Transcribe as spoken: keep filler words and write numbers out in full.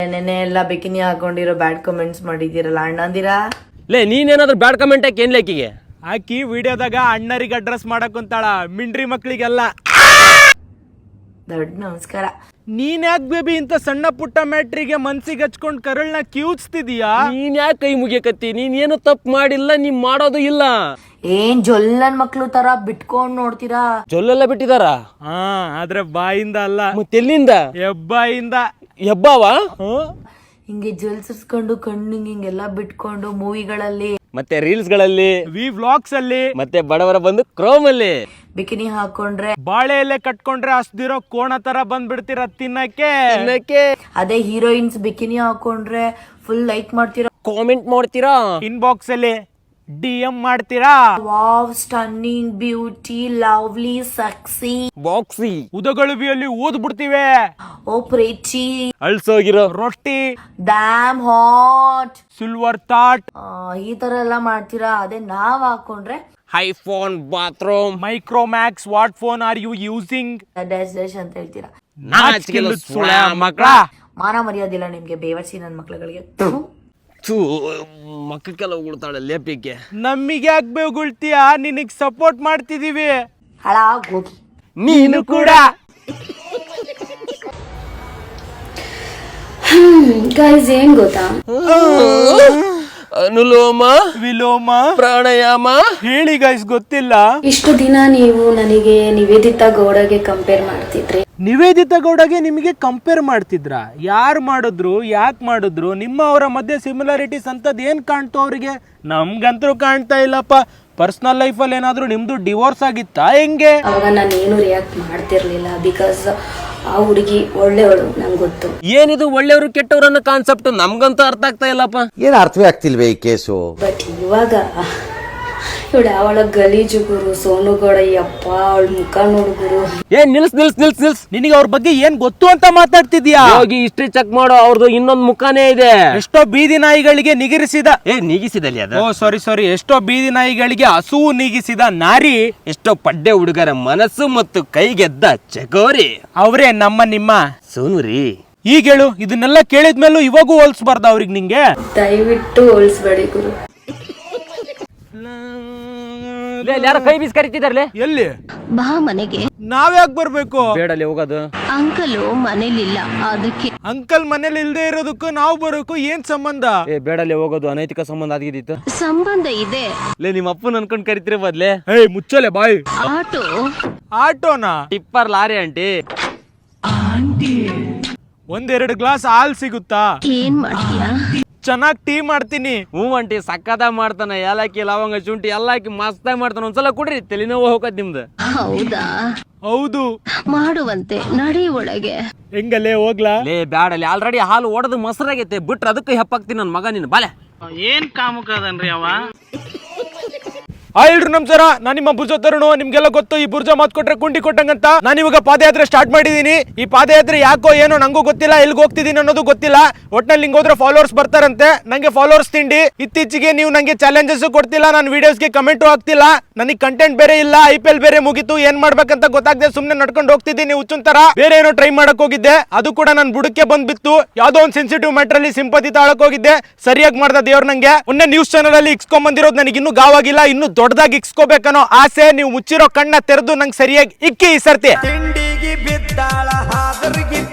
ನೆನೆ ಎಲ್ಲ bikini ಹಾಕೊಂಡಿರೋ bad comments ಮಾಡಿದಿರಲ್ಲ ಅಣ್ಣಂದಿರಾ. ಲೇ ನೀನೇನಾದ್ರೂ ಬ್ಯಾಡ್ ಕಮೆಂಟ್ ಹಾಕಿ ಏನ್ ಲೇಕಿಗೆ ಆಕಿ ವಿಡಿಯೋದಾಗ ಅಣ್ಣರಿಗೆ ಅಡ್ರೆಸ್ ಮಾಡಕ್ ಕುಂತಾಳ, ಮಿಂಡ್ರಿ ಮಕ್ಳಿಗೆಲ್ಲ. ದೊಡ್ಡ ನಮಸ್ಕಾರ. ನೀನ್ ಯಾಕೆ ಬೇಬಿ ಇಂತ ಸಣ್ಣ ಪುಟ್ಟ ಮ್ಯಾಟ್ರಿಗೆ ಮನ್ಸಿಗೆ ಹಚ್ಕೊಂಡ್ ಕರಳ್ನ ಕಿವುಚ್ತಿದೀಯಾ? ನೀನ್ ಯಾಕೆ ಕೈ ಮುಗಿಯಕತ್ತಿ? ನೀನ್ ಏನು ತಪ್ಪು ಮಾಡಿಲ್ಲ, ನೀನ್ ಮಾಡೋದು ಇಲ್ಲ. ಏನ್ ಜೊಲ್ಲನ್ ಮಕ್ಳು ತರ ಬಿಟ್ಕೊಂಡ್ ನೋಡ್ತೀರಾ? ಜೊಲ್ಲೆಲ್ಲ ಬಿಟ್ಟಿದಾರ. ಹಾ ಆದ್ರೆ ಬಾಯಿಂದ ಅಲ್ಲ, ಮತ್ತೆಲ್ಲಿಂದ? ಹೆಬ್ಬಾಯಿಂದ. ಹೆಬ್ಬಾವ ಹಿಂಗೆ ಜೊಲ್ಸಿಸ್ಕೊಂಡು ಕಣ್ಣು ಹಿಂಗೆಲ್ಲ ಬಿಟ್ಕೊಂಡು ಮೂವಿಗಳಲ್ಲಿ ಮತ್ತೆ ರೀಲ್ಸ್ ಗಳಲ್ಲಿ, ವಿ ವ್ಲಾಗ್ಸ್ ಅಲ್ಲಿ, ಮತ್ತೆ ಬಡವರ ಬಂದು ಕ್ರೋಮ್ ಅಲ್ಲಿ ಬಿಕಿನಿ ಹಾಕೊಂಡ್ರೆ ಬಾಳೆ ಎಲೆ ಕಟ್ಕೊಂಡ್ರೆ ಹಸ್ದಿರೋ ಕೋಣ ತರ ಬಂದ್ಬಿಡ್ತೀರ ತಿನ್ನಕ್ಕೆ. ತಿನ್ನಕ್ಕೆ. ಅದೇ ಹೀರೋಯಿನ್ಸ್ ಬಿಕಿನಿ ಹಾಕೊಂಡ್ರೆ ಫುಲ್ ಲೈಕ್ ಮಾಡ್ತೀರಾ, ಕಾಮೆಂಟ್ ಮಾಡ್ತೀರಾ, ಇನ್ಬಾಕ್ಸ್ ಅಲ್ಲಿ ಡಿ ಎಂ ಮಾಡ್ತೀರಾ. Wow stunning beauty lovely sexy ಬಾಕ್ಸಿ ಉದಗಳು ಬಿಯಲ್ಲಿ ಊದ್ ಬಿಡ್ತೀವಿ. ಓ ಪ್ರೀತಿ ಅಳ್ಸೋಗಿರೋ ರೊಟ್ಟಿ, ಡ್ಯಾಮ್ ಹಾಟ್, ಸಿಲ್ವರ್ ತಾಟ್, ಈ ತರ ಎಲ್ಲ ಮಾಡ್ತೀರಾ. ಅದೇ ನಾವ್ ಹಾಕೊಂಡ್ರೆ iPhone bathroom, Micromax what phone are you using dash dash ಅಂತ ಹೇಳ್ತೀರಾ. ಮಕ್ಕಳ ಮಾನ ಮರ್ಯಾದಿಲ್ಲ ನಿಮ್ಗೆ, ಬೇವರ್ಸಿ ನನ್ ಮಕ್ಳುಗಳಿಗೆ. ಮಕ್ಕಕ್ಕೆಲ್ಲ ಉಗುಳ್ತಾಳೆ ಲೇಪಿಗೆ. ನಮ್ಮಿಗೆ ಯಾಕೆ ಬೇಗುಳ್ತೀಯ? ನಿನಗ್ ಸಪೋರ್ಟ್ ಮಾಡ್ತಿದೀವಿ. ಹಾಳಾಗ್ ಹೋಗಿ ನೀನು ಕೂಡ. ಗೈಸ್ ಏನ್ ಗೊತ್ತಾ, ಅನುಲೋಮ ವಿಲೋಮ ಪ್ರಾಣಾಯಾಮ ಹೇಳಿ ಗೈಸ್, ಗೊತ್ತಿಲ್ಲ. ಇಷ್ಟು ದಿನ ನೀವು ನನಗೆ ನಿವೇದಿತಾ ಗೌಡಗೆ ಕಂಪೇರ್ ಮಾಡ್ತಿದ್ರಿ. ನಿವೇದಿತಾ ಗೌಡಗೆ ನಿಮಗೆ ಕಂಪೇರ್ ಮಾಡ್ತಿದ್ರ? ಯಾರು ಮಾಡಿದ್ರು, ಯಾಕೆ ಮಾಡಿದ್ರು? ನಿಮ್ಮ ಅವರ ಮಧ್ಯೆ ಸಿಮಿಲಾರಿಟೀಸ್ ಅಂತದ್ ಏನ್ ಕಾಣ್ತು ಅವ್ರಿಗೆ? ನಮ್ಗಂತೂ ಕಾಣ್ತಾ ಇಲ್ಲಪ್ಪ. ಪರ್ಸನಲ್ ಲೈಫಲ್ಲಿ ಏನಾದ್ರು ನಿಮ್ದು ಡಿವೋರ್ಸ್ ಆಗಿತ್ತಾ ಹೆಂಗೆ? ಅವಾಗ ನಾನು ಏನು ರಿಯಾಕ್ಟ್ ಮಾಡ್ತಿರ್ಲಿಲ್ಲ, ಬಿಕಾಸ್ ಆ ಹುಡುಗಿ ಒಳ್ಳೆಯವಳು, ನಂಗೆ ಗೊತ್ತು. ಏನಿದು ಒಳ್ಳೆಯವರು ಕೆಟ್ಟವರು ಅನ್ನೋ ಕಾನ್ಸೆಪ್ಟ್ ನಮ್ಗಂತೂ ಅರ್ಥ ಆಗ್ತಾ ಇಲ್ಲಪ್ಪ. ಏನು ಅರ್ಥವೇ ಆಗ್ತಿಲ್ವೇ ಈ ಕೇಸು? ಬಟ್ ಇವಾಗ ಇವಳು ಅವಳ ಗಲೀಜು ಗುರು ಸೋನು ಗೌಡ, ಯಪ್ಪ ಅವಳ ಮುಖ ನೋಡು ಗುರು. ಏನ್ ನಿಲ್ಸ್ ನಿಲ್ಸ್ ನಿಲ್ಸ್ ನಿಲ್ಸ್ ನಿನಗೆ ಅವ್ರ ಬಗ್ಗೆ ಏನ್ ಗೊತ್ತು ಅಂತ ಮಾತಾಡ್ತಿದ್ಯಾ? ಹೋಗಿ ಹಿಸ್ಟ್ರಿ ಚೆಕ್ ಮಾಡೋ, ಅವ್ರದ್ದು ಇನ್ನೊಂದ್ ಮುಖಾನೇ ಇದೆ. ಎಷ್ಟೋ ಬೀದಿ ನಾಯಿಗಳಿಗೆ ನಿಗರಿಸಿದ ಏ ನೀಗಿಸಿದಲ್ಲಿ ಅದ ಓ ಸಾರಿ ಸಾರಿ ಎಷ್ಟೋ ಬೀದಿ ನಾಯಿಗಳಿಗೆ ಹಸುವು ನೀಗಿಸಿದ ನಾರಿ, ಎಷ್ಟೋ ಪಡ್ಡೆ ಹುಡುಗರ ಮನಸ್ಸು ಮತ್ತು ಕೈಗೆದ್ದ ಚಕೋರಿ ಅವರೇ ನಮ್ಮ ನಿಮ್ಮ ಸೋನುರಿ. ಈಗ ಹೇಳು, ಇದನ್ನೆಲ್ಲ ಕೇಳಿದ್ಮೇಲೂ ಇವಾಗೂ ಹೋಲ್ಸ್ಬಾರ್ದ ಅವ್ರಿಗೆ ನಿಂಗೆ? ದಯವಿಟ್ಟು ಹೋಲಿಸ್ಬೇಡಿ ಗುರು. ಯಾರ ಕೈ ಬೀಸ್ ಕರಿತಿದಾರ್ಲೆ? ಎಲ್ಲಿ ಬಾ ಮನೆಗೆ. ನಾವ್ಯಾಕೆ ಬರ್ಬೇಕು? ಬೇಡಲ್ಲಿ ಹೋಗೋದು. ಅಂಕಲು ಮನೇಲಿಲ್ಲ, ಅದಕ್ಕೆ. ಅಂಕಲ್ ಮನೇಲಿ ಇಲ್ದೇ ಇರೋದಕ್ಕೂ ನಾವು ಬರೋಕು ಏನ್ ಸಂಬಂಧ? ಏ ಬೇಡಲ್ಲಿ ಹೋಗೋದು, ಅನೈತಿಕ ಸಂಬಂಧ ಆಗಿದ್ದಿತ್ತು. ಸಂಬಂಧ ಇದೆ. ಲೇ ನಿಮ್ಮ ಅಪ್ಪನ ಅನ್ಕೊಂಡ್ ಕರಿತಿರ ಬದ್ಲೆ. ಏಯ್ ಮುಚ್ಚಲೆ ಬಾಯ್. ಆಟೋ ಆಟೋನಾ? Tipper lorry aunty. ಒಂದೆರಡು ಗ್ಲಾಸ್ ಹಾಲ್ ಸಿಗುತ್ತಾ? ಏನ್ ಮಾಡ್ತೀಯಾ? ಚೆನ್ನಾಗ್ ಟೀ ಮಾಡ್ತೀನಿ. ಹ್ಞೂ ಆಂಟಿ ಸಕ್ಕದ ಮಾಡ್ತಾನ, ಏಲಕ್ಕಿ ಲವಂಗ ಶುಂಠಿ ಎಲ್ಲ ಹಾಕಿ ಮಸ್ತಾಗಿ ಮಾಡ್ತಾನ. ಒಂದ್ಸಲ ಕೊಡ್ರಿ, ತಲೆನೋವು ಹೋಗತ್ ನಿಮ್ದು. ಹೌದಾ? ಹೌದು ಮಾಡುವಂತೆ, ನಡಿ ಒಳಗೆ. ಹೆಂಗಲ್ಲೇ ಹೋಗ್ಲಾ? ಲೇ ಬ್ಯಾಡಲ್ಲಿ, ಆಲ್ರೆಡಿ ಹಾಲು ಒಡೆದು ಮೊಸರಾಗೈತೆ, ಬಿಟ್ರೆ ಅದಕ್ಕೆ ಹೆಪ್ಪಾಕ್ತೀನಿ ನನ್ನ ಮಗ ನಿನ್ ಬಾಲೆ. ಏನ್ ಕಾಮುಕದನ್ರಿ ಅವ. ಆ ಎಲ್ರು ನಮಸ್ಕಾರ, ನಾನು ನಿಮ್ಮ ಬುರ್ಜ ತರುಣು. ನಿಮ್ಗೆಲ್ಲ ಗೊತ್ತು, ಈ ಬುರ್ಜ ಮಾತ್ ಕೊಟ್ರೆ ಕುಂಡಿ ಕೊಟ್ಟಂಗಂತ. ನಾನು ಇವಾಗ ಪಾದಯಾತ್ರೆ ಸ್ಟಾರ್ಟ್ ಮಾಡಿದೀನಿ. ಈ ಪಾದಯಾತ್ರೆ ಯಾಕೋ ಏನೋ ನಂಗೂ ಗೊತ್ತಿಲ್ಲ, ಎಲ್ಲಿಗೆ ಹೋಗ್ತಿದೀನಿ ಅನ್ನೋದು ಗೊತ್ತಿಲ್ಲ. ಒಟ್ನಲ್ಲಿ ಹಿಂಗ್ ಹೋದ್ರೆ ಫಾಲೋವರ್ಸ್ ಬರ್ತಾರಂತೆ. ನಂಗೆ ಫಾಲೋವರ್ಸ್ ತಿಂಡಿ. ಇತ್ತೀಚೆಗೆ ನೀವು ನಂಗೆ ಚಾಲೆಂಜಸ್ ಕೊಡ್ತಿಲ್ಲ, ನನ್ನ ವಿಡಿಯೋಸ್ಗೆ ಕಮೆಂಟು ಆಗ್ತಿಲ್ಲ. ನನಗೆ ಕಂಟೆಂಟ್ ಬೇರೆ ಇಲ್ಲ, ಐ ಪಿ ಎಲ್ ಬೇರೆ ಮುಗಿತು, ಏನ್ ಮಾಡ್ಬೇಕಂತ ಗೊತ್ತಾಗದೆ ಸುಮ್ನೆ ನಡ್ಕೊಂಡು ಹೋಗ್ತಿದ್ದೀನಿ ಹುಚ್ಚುನ್ ತರ. ಬೇರೆ ಏನೋ ಟ್ರೈ ಮಾಡಕ್ ಹೋಗಿದ್ದೆ, ಅದು ಕೂಡ ನನ್ ಬುಡಕ್ಕೆ ಬಂದ್ಬಿತ್ತು. ಯಾವ್ದೋ ಒಂದು ಸೆನ್ಸಿಟಿವ್ ಮ್ಯಾಟರ್ ಅಲ್ಲಿ ಸಿಂಪತಿ ತಾಳಕ್ ಹೋಗಿದ್ದೆ, ಸರಿಯಾಗಿ ಮಾಡ್ದ ದೇವ್ರ ನಂಗೆ. ಮೊನ್ನೆ ನ್ಯೂಸ್ ಚಾನಲ್ ಅಲ್ಲಿ ಇಕ್ಸ್ಕೊಂಡ್ ಬಂದಿರೋದು ನನಗೆ ಇನ್ನೂ ಗಾವಾಗಿಲ್ಲ, ಇನ್ನು ದೊಡ್ಡದಾಗಿ ಇಕ್ಸ್ಕೋಬೇಕನ್ನೋ ಆಸೆ. ನೀವು ಮುಚ್ಚಿರೋ ಕಣ್ಣ ತೆರೆದು ನಂಗೆ ಸರಿಯಾಗಿ ಇಕ್ಕಿ ಈ ಸರ್ತಿ. ತಿಂಡಿಗೆ ಬಿದ್ದಾಳ ಹಾದರಿಗೆ